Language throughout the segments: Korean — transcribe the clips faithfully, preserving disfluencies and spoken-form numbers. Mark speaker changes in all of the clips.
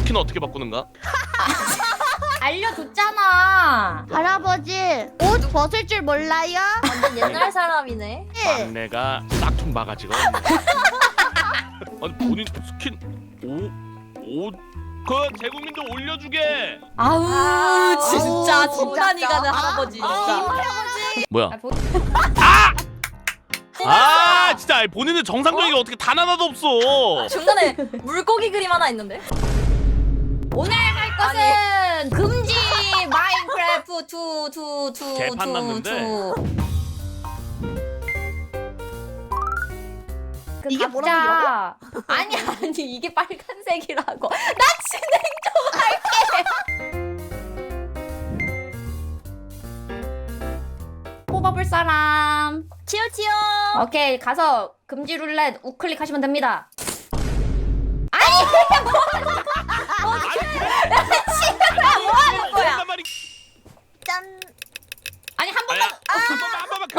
Speaker 1: 스킨 어떻게 바꾸는가?
Speaker 2: 알려줬잖아.
Speaker 3: 할아버지 옷 벗을 줄 몰라요?
Speaker 4: 완전 옛날 사람이네.
Speaker 1: 막내가 싹퉁 바가지가 없네. 아니 본인 스킨 오오그 대국민도 올려주게.
Speaker 2: 아우
Speaker 4: 아우,
Speaker 2: 진짜
Speaker 4: 아우,
Speaker 2: 진단이
Speaker 4: 진짜.
Speaker 2: 가는 할아버지.
Speaker 4: 아,
Speaker 2: 진짜.
Speaker 1: 뭐야?
Speaker 2: 아, 보-
Speaker 1: 아 진짜 아니, 본인은 정상적인 게 어떻게 단 하나도 없어.
Speaker 4: 중간에 물고기 그림 하나 있는데?
Speaker 2: 오늘 할 것은 금지 마인크래프트 투투투
Speaker 1: 개판 났는데.
Speaker 3: 이게 뭐라고
Speaker 2: 아니 아니 이게 빨간색이라고. 나 진행 좀 할게. 뽑아볼 사람.
Speaker 4: 치요 치요.
Speaker 2: 오케이 가서 금지 룰렛 우클릭 하시면 됩니다.
Speaker 1: 뭐 하는
Speaker 4: 거야?
Speaker 3: 짠.
Speaker 2: 아니 한
Speaker 1: 아야
Speaker 2: 번만.
Speaker 1: 한 번만 한 번만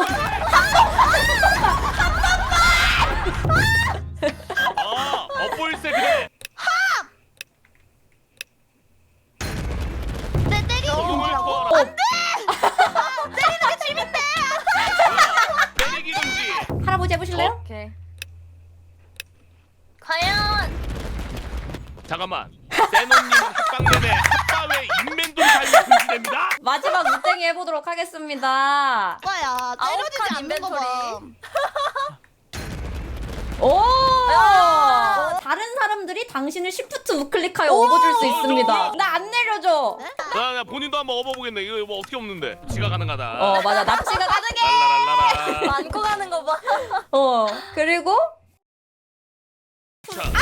Speaker 1: 그만해. 어 엇보일세 그래.
Speaker 3: 내 때리고
Speaker 1: 이걸
Speaker 3: 뭐라고?
Speaker 1: 거라.
Speaker 2: 어,
Speaker 3: 때리는 게 재밌대.
Speaker 1: 때리기 금지.
Speaker 2: 할아버지 해보실래요?
Speaker 4: 오케이. 과연
Speaker 1: 잠깐만. 세노님 합방 내내 합방에 인맨돌 달리 금지됩니다.
Speaker 2: 마지막 무땡이 해보도록 하겠습니다.
Speaker 3: 오빠야 때려지지
Speaker 4: 아홉 칸
Speaker 3: 않는 거 봐.
Speaker 4: 인벤토리.
Speaker 2: 오!
Speaker 4: 야!
Speaker 2: 다른 사람들이 당신을 시프트 우클릭하여 업어줄 수 있습니다.
Speaker 1: 오!
Speaker 2: 나 안 내려줘.
Speaker 1: 나, 나 본인도 한번 업어보겠네. 이거 뭐 어떻게 없는데? 지가 가능하다.
Speaker 2: 어 맞아 납치가 가능해.
Speaker 1: 랄라랄라라.
Speaker 4: 안고 가는 거 봐.
Speaker 2: 어 그리고
Speaker 1: 자.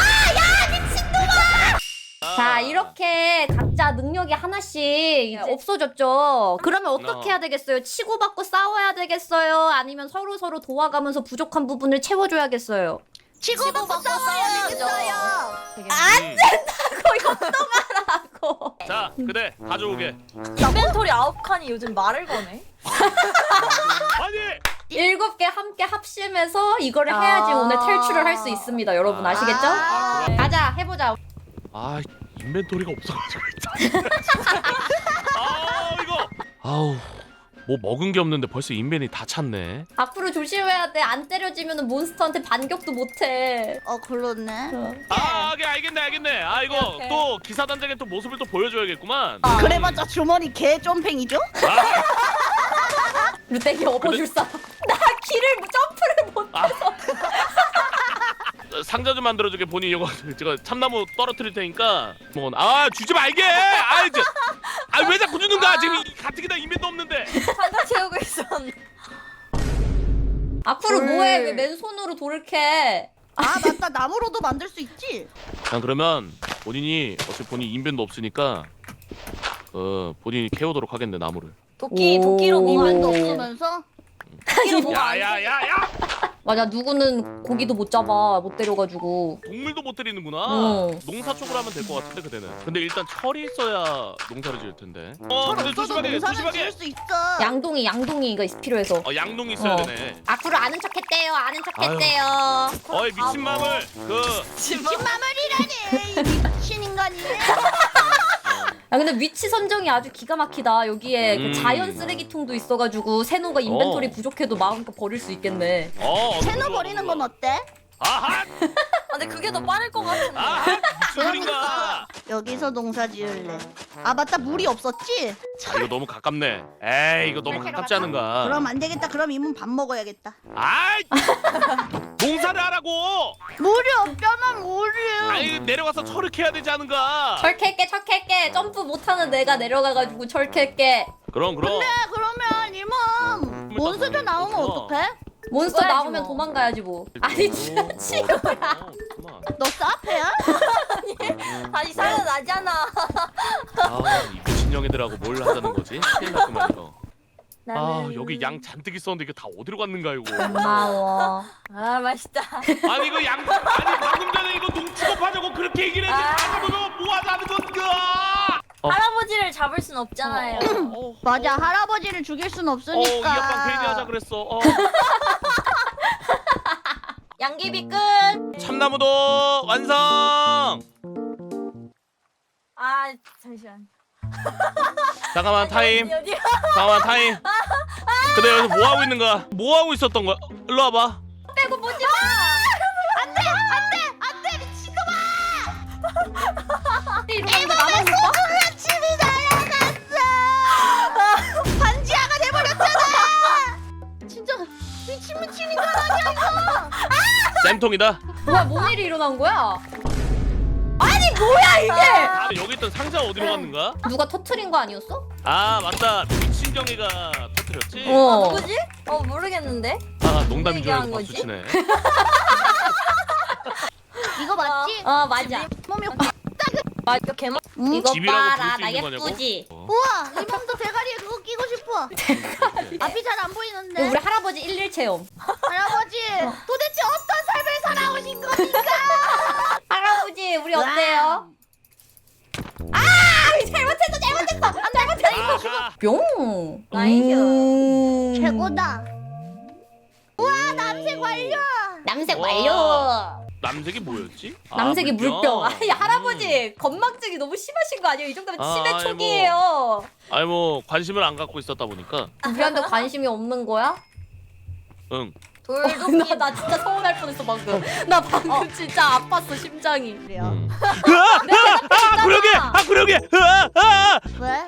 Speaker 2: 자 이렇게 각자 능력이 하나씩 이제 없어졌죠. 그러면 어떻게
Speaker 1: 어.
Speaker 2: 해야 되겠어요? 치고받고 싸워야 되겠어요? 아니면 서로 서로 도와가면서 부족한 부분을 채워줘야겠어요?
Speaker 3: 치고받고 싸워야 되겠어요.
Speaker 1: 안
Speaker 2: 하고
Speaker 1: 자, 그래 가져오게.
Speaker 4: 인벤토리 아홉 칸이 요즘 말을 거네.
Speaker 1: 아니.
Speaker 2: 일곱 개 함께 합심해서 이거를
Speaker 4: 아.
Speaker 2: 해야지 오늘 탈출을 할 수 있습니다. 여러분 아시겠죠?
Speaker 3: 아,
Speaker 1: 그럼.
Speaker 2: 가자 해보자.
Speaker 1: 아 인벤토리가 없어가지고 일단. 아 이거. 아우 뭐 먹은 게 없는데 벌써 인벤이 다 찼네.
Speaker 2: 앞으로 조심해야 돼. 안 때려지면 몬스터한테 반격도 못해.
Speaker 3: 어 그렇네.
Speaker 1: 아 오케이 알겠네 알겠네. 아 이거
Speaker 4: 오케이, 오케이.
Speaker 1: 또 기사단장의 또 모습을 또 보여줘야겠구만.
Speaker 4: 아.
Speaker 3: 그래봤자 주머니 개 점팽이죠?
Speaker 1: 아,
Speaker 2: 루땡이 업어줄 사람. 나 길을 점프를 못.
Speaker 1: 아. 상자 좀 만들어주게. 본인 이거 제가 참나무 떨어뜨릴 테니까. 뭐, 아 주지 말게. 아 이제 아왜 자꾸 주는 거야? 지금 이 가뜩이나 인벤도 없는데.
Speaker 4: 상자 채우고 있었는데.
Speaker 2: 앞으로
Speaker 3: 헐.
Speaker 2: 뭐해? 왜 맨손으로 돌을 캐?
Speaker 3: 아 맞다 나무로도 만들 수 있지.
Speaker 1: 난 그러면 본인이 어차피 본인 인벤도 없으니까 어 본인이 캐오도록 하겠네 나무를.
Speaker 4: 도끼
Speaker 2: 오.
Speaker 4: 도끼로 뭐
Speaker 3: 이면도
Speaker 4: 하는데.
Speaker 3: 없으면서
Speaker 4: 도끼로 뭐 안-
Speaker 1: 야야야야!
Speaker 2: 맞아 누구는 고기도 못 잡아 못 때려가지고.
Speaker 1: 동물도 못 때리는구나.
Speaker 2: 응.
Speaker 1: 농사 쪽으로 하면 될 것 같은데 그대는. 근데 일단 철이 있어야 농사를 지을 텐데. 어
Speaker 3: 철
Speaker 1: 근데
Speaker 3: 없어도
Speaker 1: 조심하게
Speaker 3: 농사는
Speaker 1: 조심하게.
Speaker 3: 지을 수 있어.
Speaker 2: 양동이 양동이가 필요해서.
Speaker 1: 어 양동이 있어야
Speaker 2: 어.
Speaker 1: 되네.
Speaker 2: 앞으로 아는 척했대요. 아는 척했대요.
Speaker 1: 어이 미친 마물 그
Speaker 3: 미친 마무리라니 이 미친 인간이.
Speaker 2: 아 근데 위치 선정이 아주 기가 막히다. 여기에 그
Speaker 1: 음.
Speaker 2: 자연 쓰레기통도 있어가지고 세노가 인벤토리
Speaker 1: 어.
Speaker 2: 부족해도 마음껏 버릴 수 있겠네.
Speaker 1: 어 어느
Speaker 3: 채널
Speaker 1: 좋아,
Speaker 3: 버리는
Speaker 1: 어느
Speaker 3: 건
Speaker 1: 좋아.
Speaker 3: 어때?
Speaker 1: 아하
Speaker 4: 아, 근데 그게 더 빠를 것 같은데.
Speaker 1: 아하 무슨 소린가.
Speaker 3: 여기서 농사 지을래. 아 맞다 물이 없었지?
Speaker 1: 아, 이거 너무 가깝네. 에이 이거 너무 가깝지 않은가.
Speaker 3: 그럼 안 되겠다. 그럼 이문 밥 먹어야겠다.
Speaker 1: 아이 농사를 하라고.
Speaker 3: 물이 없잖아 물이.
Speaker 1: 아이 내려가서 철을 캐야 되지 않은가.
Speaker 2: 철 캘게 철 캘게. 점프 못하는 내가 내려가가지고 철 캘게.
Speaker 1: 그럼 그럼.
Speaker 3: 근데 그러면 이문 몬스터 나오면
Speaker 1: 어.
Speaker 3: 어떡해?
Speaker 2: 몬스터
Speaker 4: 죽어야지
Speaker 2: 나오면
Speaker 4: 뭐.
Speaker 2: 도망가야지 뭐. 아니 진짜
Speaker 1: 어, 어, 그만.
Speaker 3: 너 사페야?
Speaker 4: 다시 살아나잖아.
Speaker 1: 아이 미친년애들하고 뭘 하자는 거지? 큰일 났구만 이거. 아
Speaker 4: 나는-
Speaker 1: 여기 양 잔뜩 있었는데 이게 다 어디로 갔는가 이거.
Speaker 2: 고마워.
Speaker 4: 아 맛있다.
Speaker 1: 아니 이거 양 아니 방금 전에 이거 농 취급하자고 그렇게 얘기를 했지.
Speaker 4: 아.
Speaker 1: 가져보면 뭐 하자는 건가? 어.
Speaker 4: 할아버지를 잡을 순 없잖아요.
Speaker 1: 어,
Speaker 3: 맞아 할아버지를 죽일 순
Speaker 1: 어, 이
Speaker 3: 없으니까.
Speaker 1: 아빠 괜히 하자 그랬어. 어.
Speaker 2: 양귀비 끝.
Speaker 1: 참나무도 완성.
Speaker 4: 아 잠시만.
Speaker 1: 잠깐만 타임.
Speaker 4: 어디 어디?
Speaker 1: 잠깐만 타임. 근데 여기서 뭐 하고 있는 거야? 뭐 하고 있었던 거야? 일로 와봐.
Speaker 2: 빼고 보지 마.
Speaker 3: 안돼 안돼 안돼 미친놈아.
Speaker 2: 이러는데 나만 못 봐?
Speaker 3: 소금치이 날아갔어. 반지하가 돼버렸잖아. 진짜 미친 미친 인간 아니야 이거.
Speaker 1: 쌤통이다.
Speaker 2: 뭐야 뭔 일이 일어난 거야? 아니 뭐야 이게?
Speaker 1: 아, 여기 있던 상자 어디로 갔는가?
Speaker 2: 누가 터트린 거 아니었어?
Speaker 1: 아 맞다. 미친경이가 터뜨렸지.
Speaker 2: 어.
Speaker 4: 누구지? 어 모르겠는데.
Speaker 1: 아 농담인 줄 알고
Speaker 4: 얘기한 거지?
Speaker 1: 박수치네.
Speaker 3: 이거 맞지?
Speaker 2: 어 맞아.
Speaker 3: 몸이
Speaker 4: 이거 개만.
Speaker 3: 응?
Speaker 2: 이거
Speaker 1: 집이라고
Speaker 2: 봐라
Speaker 1: 부를 수
Speaker 2: 나
Speaker 1: 있는 거냐고?
Speaker 2: 예쁘지?
Speaker 1: 어.
Speaker 3: 우와 이 몸도 대가리에 그거 끼고 싶어. 앞이 잘 안 보이는데.
Speaker 2: 우리 할아버지 일일 체험.
Speaker 3: 할아버지 도대체 어떤 삶을 살아오신 겁니까?
Speaker 2: 할아버지 우리 어때요? 아 잘못했어 잘못했어 잘못했어.
Speaker 1: 아, 가.
Speaker 2: 뿅.
Speaker 4: 나이스.
Speaker 2: 음.
Speaker 3: 최고다. 우와 남색 완료.
Speaker 2: 남색
Speaker 1: 와.
Speaker 2: 완료.
Speaker 1: 남색이 뭐였지? 아,
Speaker 2: 남색이 물병. 아니
Speaker 1: 음.
Speaker 2: 할아버지 건망증이 너무 심하신 거 아니에요? 이 정도면
Speaker 1: 아,
Speaker 2: 치매
Speaker 1: 아이,
Speaker 2: 초기예요.
Speaker 1: 아니 뭐 관심을 안 갖고 있었다 보니까.
Speaker 2: 우리한테 관심이 없는 거야?
Speaker 1: 응.
Speaker 4: 돌도끼.
Speaker 2: 나, 나 진짜 서운할 뻔했어 방금. 나 방금 진짜 아팠어 심장이.
Speaker 3: 그래요.
Speaker 1: 음. 아 구력이! 아 구력이! 아, 아,
Speaker 3: 왜?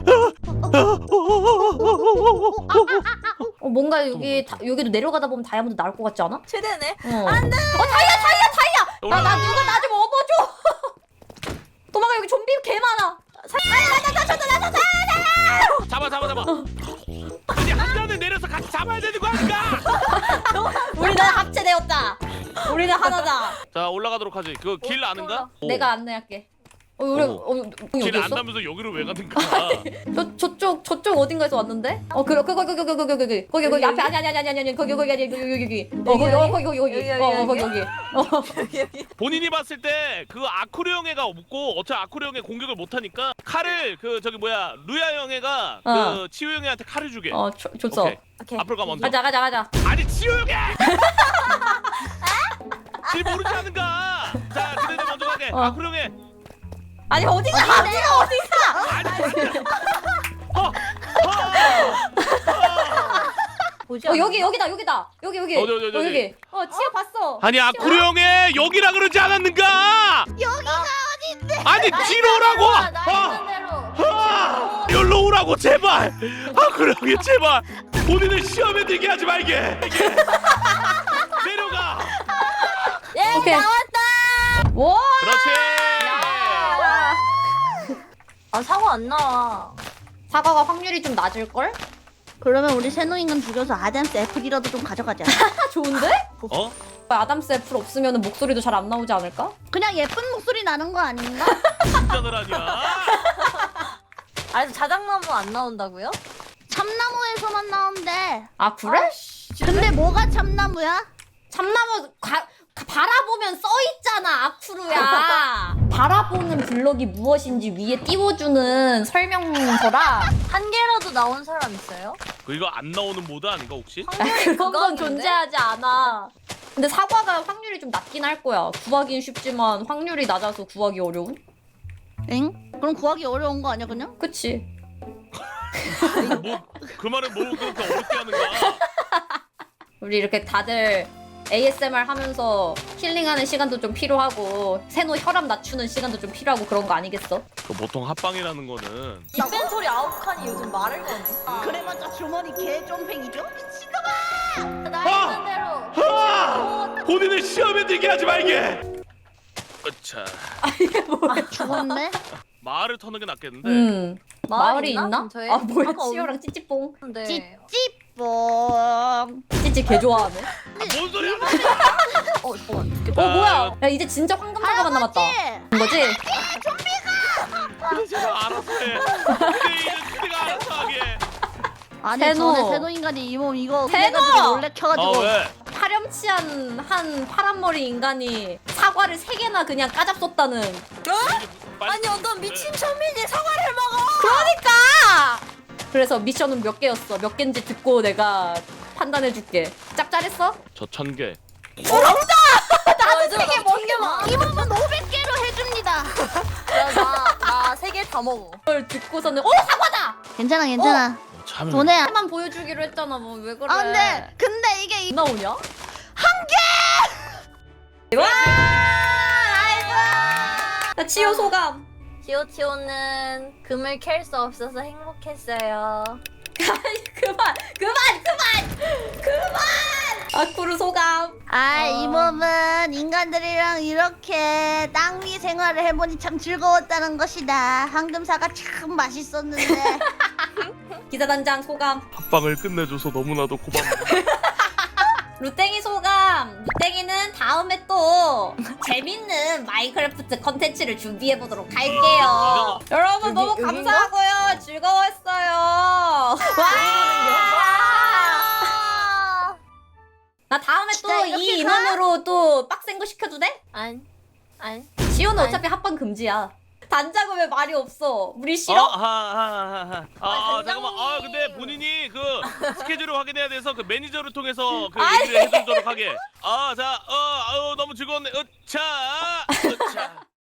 Speaker 2: 어 뭔가 여기 다, 여기도 내려가다 보면 다이아몬드 나올 것 같지 않아?
Speaker 4: 최대네.
Speaker 2: 어. 안돼. 어 다이아 다이아 다이아. 나 나 누가 나 좀 업어줘. 도망가 여기 좀비 개 많아.
Speaker 1: 잡아 잡아 잡아. 아니 한 잔을 내려서 같이 잡아야 되는 거 아닌가?
Speaker 2: 우리는 합체되었다. 우리는 하나다.
Speaker 1: 자 올라가도록 하지. 그 길 아는가? 오.
Speaker 2: 내가 안내할게. 어 우리
Speaker 1: 오.
Speaker 2: 어, 여기
Speaker 1: 길
Speaker 2: 어디였어?
Speaker 1: 안다면서 여기로 왜 가는가?
Speaker 2: 저 저쪽 저쪽 어딘가에서 왔는데? 어 그래 거기 거기 거기 거기 거기 거기 거기 거기 앞에 아니 아니 아니 아니 아니 거기 거기 아니 여기 여기 여기 어 거기 어 거기 거기 거기 어 거기 거기 어
Speaker 1: 본인이 봤을 때 그 아쿠르 형애가 없고 어차피 아쿠르 형애 공격을 못 하니까 칼을 그 저기 뭐야 루야 형애가
Speaker 2: 어.
Speaker 1: 그 치유 형애한테 칼을 주게.
Speaker 2: 어 줘- 줬어.
Speaker 1: 오케이.
Speaker 4: 오케이.
Speaker 1: 앞으로 가 먼저.
Speaker 2: 가자 가자 가자.
Speaker 1: 아니 치유 형애! 길 모르지 않은가? 자 그대들 먼저 가게.
Speaker 2: 어.
Speaker 1: 아쿠르 형애.
Speaker 2: 아니 어디가 어디가 어디가?
Speaker 1: 아니 어, 어,
Speaker 4: 보지
Speaker 2: 어
Speaker 4: 않았나?
Speaker 2: 여기 여기다 여기다 여기 여기
Speaker 1: 어디, 어디, 어디,
Speaker 2: 어,
Speaker 1: 어디?
Speaker 2: 여기 어 치아 봤어.
Speaker 1: 아니 아쿠르 형애 여기라 그러지 않았는가?
Speaker 3: 여기가 어딘데?
Speaker 1: 아니 뒤로 오라고!
Speaker 4: 나
Speaker 1: 아,
Speaker 4: 있는 대로.
Speaker 1: 아, 여기로 오라고 제발! 아쿠르 형애 제발! 본인을 시험에 들게 하지 말게! 내려가!
Speaker 4: 예
Speaker 2: 오케이.
Speaker 4: 나왔다.
Speaker 2: 와.
Speaker 1: 그렇지!
Speaker 4: 아 사고 안 나와.
Speaker 2: 사과가 확률이 좀 낮을 걸?
Speaker 3: 그러면 우리 새노인간 죽여서 아담스 애플이라도 좀 가져가자.
Speaker 2: 아 좋은데?
Speaker 1: 어?
Speaker 2: 아담스 애플 없으면 목소리도 잘 안 나오지 않을까?
Speaker 3: 그냥 예쁜 목소리 나는 거 아닌가?
Speaker 1: 진짜들 아니야?
Speaker 4: 아니 자작나무 안 나온다고요?
Speaker 3: 참나무에서만 나온대.
Speaker 2: 아 그래?
Speaker 3: 근데 뭐가 참나무야?
Speaker 2: 참나무 가, 가- 바라보면 써 있잖아 아쿠루야. 바라보는 블럭이 무엇인지 위에 띄워주는 설명서라.
Speaker 4: 한 개라도 나온 사람 있어요?
Speaker 1: 그 이거 안 나오는 모드 아닌가 혹시?
Speaker 4: 확률이
Speaker 2: 그건 건
Speaker 4: 그거였는데?
Speaker 2: 존재하지 않아. 근데 사과가 확률이 좀 낮긴 할 거야. 구하긴 쉽지만 확률이 낮아서 구하기 어려운?
Speaker 3: 엥? 그럼 구하기 어려운 거 아니야 그냥?
Speaker 2: 그치?
Speaker 1: 뭐 그 말은 뭐 그렇게 어렵게 하는가?
Speaker 2: 우리 이렇게 다들 에이에스엠알 하면서 힐링하는 시간도 좀 필요하고 세노 혈압 낮추는 시간도 좀 필요하고 그런 거 아니겠어?
Speaker 1: 그 보통 합방이라는 거는
Speaker 4: 인벤토리 아홉 칸이 요즘 말을 거네.
Speaker 3: 그래봤자 주머니 개좀팽이죠? 미친놈아!
Speaker 4: 나
Speaker 1: 아!
Speaker 4: 있는 대로.
Speaker 1: 아! 본인을 시험에 들게 하지 말게! 자
Speaker 3: 죽었네?
Speaker 1: 말을 터는 게 낫겠는데
Speaker 2: 음.
Speaker 4: 마을
Speaker 2: 마을이
Speaker 4: 있나?
Speaker 2: 있나?
Speaker 4: 근처에?
Speaker 2: 아 뭐야
Speaker 4: 아까
Speaker 2: 치오랑 찌찌뽕.
Speaker 4: 근데
Speaker 3: 찌찌뽕.
Speaker 2: 찌찌 개 좋아하네.
Speaker 1: 아, 뭔 소리야?
Speaker 4: 어 잠깐만.
Speaker 2: 어 뭐야? 야 이제 진짜 황금사과만 남았다. 본 거지?
Speaker 1: 그래 제가 알아서 해 근데 이는 그대가 알아서 하게
Speaker 3: 아니
Speaker 2: 세노.
Speaker 3: 전에 세노 인간이 이 몸 이거
Speaker 2: 세노!
Speaker 3: 그래가지고 놀래켜가지고
Speaker 1: 아 왜?
Speaker 2: 파렴치한 한 파란머리 인간이 사과를 세 개나 그냥 까잡쏟다는.
Speaker 4: 아니 어떤 미친 천민이 사과를 먹어.
Speaker 2: 그러니까. 그래서 미션은 몇 개였어? 몇 개인지 듣고 내가 판단해줄게. 짭짤했어?
Speaker 1: 저 천 개
Speaker 4: 나도 세개 먹게 막.
Speaker 3: 이 몸은 오백 개로 해줍니다.
Speaker 4: 나나세 개 다 먹어.
Speaker 2: 그걸 듣고서는 어 사과다.
Speaker 3: 괜찮아 괜찮아.
Speaker 1: 어, 참.
Speaker 3: 돈에.
Speaker 2: 하나만 보여주기로 했잖아. 뭐 왜 그래?
Speaker 3: 아 근데 근데 이게 이...
Speaker 2: 나오냐?
Speaker 3: 와!
Speaker 2: 나 치유 소감.
Speaker 4: 티오티오는 금을 캘 수 없어서 행복했어요.
Speaker 2: 그만 그만 그만 그만. 아쿠르 소감.
Speaker 3: 아, 이
Speaker 4: 어.
Speaker 3: 몸은 인간들이랑 이렇게 땅 위 생활을 해보니 참 즐거웠다는 것이다. 황금사가 참 맛있었는데.
Speaker 2: 기사단장 소감.
Speaker 1: 합방을 끝내줘서 너무나도 고맙다.
Speaker 2: 루땡이 소감. 루땡이는 다음에 또 재밌는 마인크래프트 컨텐츠를 준비해 보도록 할게요. 여러분
Speaker 4: 여기,
Speaker 2: 너무
Speaker 4: 여긴가?
Speaker 2: 감사하고요. 즐거웠어요. 와. 나 다음에 또
Speaker 3: 진짜 이렇게
Speaker 2: 이
Speaker 3: 가?
Speaker 2: 인원으로 또 빡센 거 시켜도 돼?
Speaker 4: 안, 안.
Speaker 2: 지호는
Speaker 4: 아니.
Speaker 2: 어차피 합방 금지야. 단장은 왜 말이 없어? 우리
Speaker 1: 어,
Speaker 2: 싫어?
Speaker 1: 하, 하, 하, 하. 아,
Speaker 4: 아,
Speaker 1: 아, 잠깐만. 아, 근데
Speaker 4: 단장님.
Speaker 1: 본인이 그 스케줄을 확인해야 돼서 그 매니저를 통해서 그
Speaker 2: 아니.
Speaker 1: 얘기를 해주도록 하게. 아, 자, 어, 아유, 너무 즐거웠네. 으차, 으차.